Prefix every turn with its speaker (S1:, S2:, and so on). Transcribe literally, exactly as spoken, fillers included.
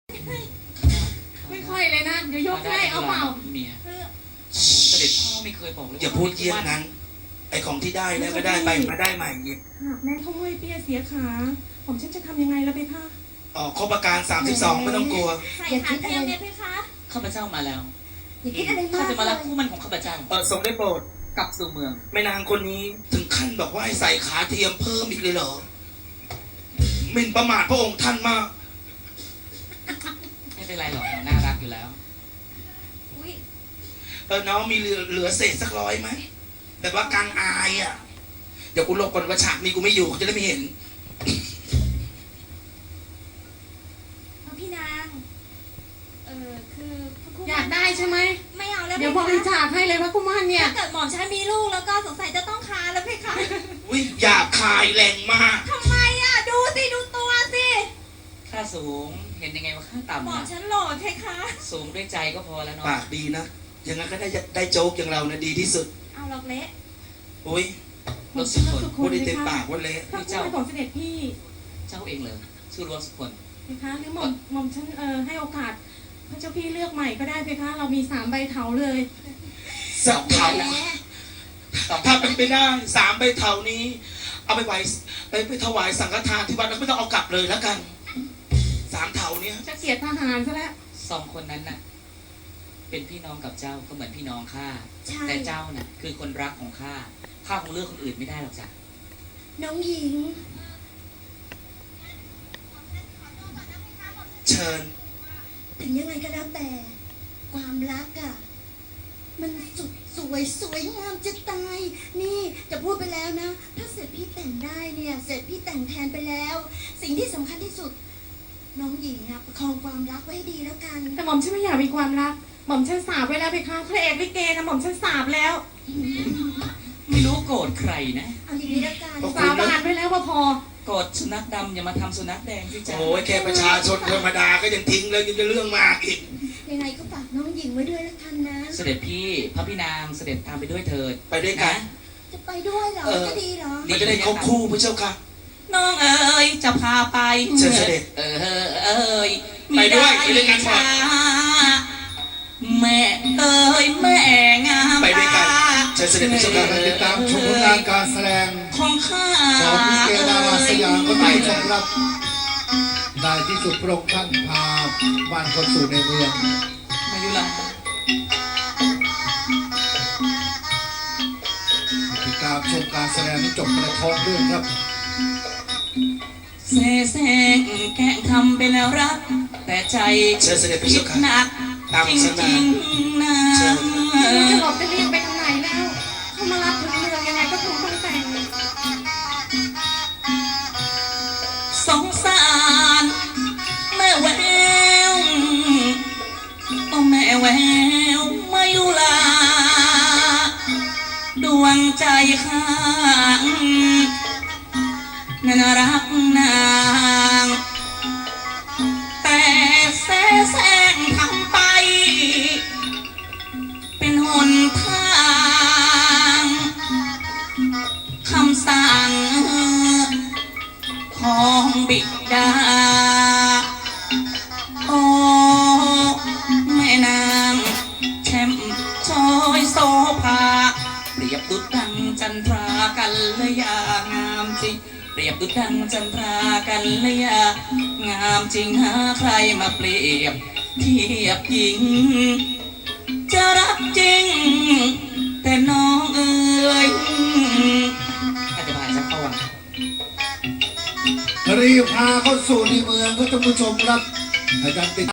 S1: ไม่ค่อยเลยนะเดี๋ยวยกให้เอาเปล่า
S2: เมียเสด็จพ่อไม่เคยบอกเลย
S3: อย่าพูดเยี่ยงนั้นไอ้ของที่ได้แล้วก็ได้ไปมาได้ใหม่เนี่ย
S1: หากแม่ท้อยเปียเสียขาผมฉันจะทำยังไงล่ะเพคะ
S3: อ๋อครบอาการสามสิบสองไม่ต้องกลัว
S4: ใส่ขาเทียมเนี่ยเพคะ
S2: ข้าพเจ้ามาแล้ว
S4: อย่าคิดอะไรมาก
S2: ข้าจะมารับคู่มั่นของข้าพเจ้า
S3: เออทรงได้โปรด
S2: กลับสู่เมือง
S3: แม่นางคนนี้ถึงขั้นบอกว่าให้ใส่ขาเทียมเพิ่มอีกเลยเหรอหมิ่นประมาทพระองค์ท่านมาก
S2: ไม่เป็นไรหรอกน่ารักอยู่แล้ว
S3: เออน้องมีเหลือเหลือเศษสักร้อยไหมแต่ว่าการอายอ่ะเดี๋ยวกูหลบก่อนว่าฉากนี้กูไม่อยู่เขาจะได้ไม่เห็น
S4: พี่นางเออคือ
S1: อยากได้ใช่ไหม
S4: ไม่เอาแล้ว
S1: เดี๋ยวบริจาคให้เลยพระกุมารเนี่ย
S4: ถ้าเกิดหม่อมฉันมีลูกแล้วก็สงสัยจะต้องคาแล้วเพคะ
S3: อุ้ยหยาบคายแรงมาก
S4: ทำไมอ่ะดูสิดูตัวสิ
S2: ข้าสูงเห็นยังไงว่าข้าต่ำ
S4: หม่อมฉันหล่อเพคะ
S2: สูงด้วยใจก็พอแล้วเนาะ
S3: ปากดีนะอย่างนั้นก็ได้ได้โจ๊กอย่างเรานะดีที่สุด
S4: เอาหลอกเละ
S3: โอ้ย
S2: รถสุคน
S3: พูดได้เต็มปากว่าเละ
S1: พระเจ้าของเสด็จพี่
S2: เจ้าเองเลยชื่อรถสุคน
S1: เพคะหรือหม่อมหม่อมฉันเออให้โอกาสพระเจ้าพี่เลือกใหม่ก็ได้เพคะเรามีสามใบเถาเลย
S3: สามเถาถ้าเป็นไปได้สามใบเถานี้เอาไปไหวไปไปถวายสังฆทานที่วัดแล้วไม่ต้องเอากลับเลยแล้วกันสามเถาเนี้ย
S1: จะเสียทหารซะแล้ว
S2: สองคนนั้นน่ะเป็นพี่น้องกับเจ้าก็เหมือนพี่น้องข้าแต่เจ้าน่ะคือคนรักของข้าข้าคงเลือกคนอื่นไม่ได้หรอกจ้ะ
S4: น้องหญิง
S3: เชิญ
S4: ถึงยังไงก็แล้วแต่ความรักอะมันสุดสวยสวยงามจะตายนี่จะพูดไปแล้วนะถ้าเสร็จพี่แต่งได้เนี่ยเสร็จพี่แต่งแทนไปแล้ว สิ่งที่สำคัญที่สุดน้องหญิงอะประคองความรักไว้ดีแล้วกัน
S1: แต่หม่อมฉันไม่อยากมีความรักหม่อมฉันสาบไว้แล้วเพคะพระเอกลิเกนะหม่อมฉันสาบแล้ว
S2: ไม่รู้โกรธใครนะ
S4: เอาอย่างนี้แล้วกัน
S1: สาบานไว้แล้วว่าพอ
S2: โกรธสุนัขดำอย่ามาทำสุนัขแดงสิจ้า
S3: โอ้ยแค่ประชาชนธรรมดาก็ยังทิ้งเลยยังจะเรื่องมากอีก
S4: ยังไงก็ฝากน้องหญิงไว้ด้วยแล้วกันนะ
S2: เสด็จพี่พระพี่นางเสด็จตามไปด้วยเถิด
S3: ไปด้วยกัน
S4: จะไปด้วยเหรอจะดีเหรอ
S3: มันจะได้ครบคู่พระเจ้าค่ะ
S2: น้องเอ๋ยจะพาไป
S3: เชิญเสด็จ
S2: เออเอ๋ย
S3: ไปด้วยไปด้วยกันหมด
S2: แม่เอ๋ยแม่งาม
S3: ไปด้วยกันเชิญเสด็จพระเจ้าค่ะ
S5: ติดตามชมผลงานการแสดง
S2: ของข้า
S5: ของลิเกดาราสยามก็ได้ชมรับได้ที่สุดพระองค์ท่านพาบ้านคนสู่ในเมือง
S2: มายุรา
S5: ติดตามชมการแสดงที่จบในท้องเรื่องครับ
S2: เสแสร้งแกะทำเป็นแล้วรักแต่ใจ
S3: คิด
S2: หนักจริงๆนะ
S1: จะบอกจะเรียกไปทางไหนแล้วเขามารับถึงเมืองยังไงก็คงต้องแต่ง
S2: สงสารแม่แววโอ้แม่แววมายุลาดวงใจข้างนั้นรักนางแต่แสแสร้งทำไปเป็นหนทางคำสั่งของบิดาโอ้แม่นางแช่มช้อยโซภาเปรียบดุจดังจันทรากันเลยงามจริงเปรียบดุจดังจันทรากันเลยงามจริงหาใครมาเปรียบเทียบหญิงจะรักจริงแต่น้องเอ๋ยอาจจะผ่านสักตอน
S5: รีบพาเข้าสู่ในเมืองก็ท่านผู้ชมครับอาจารย์ติด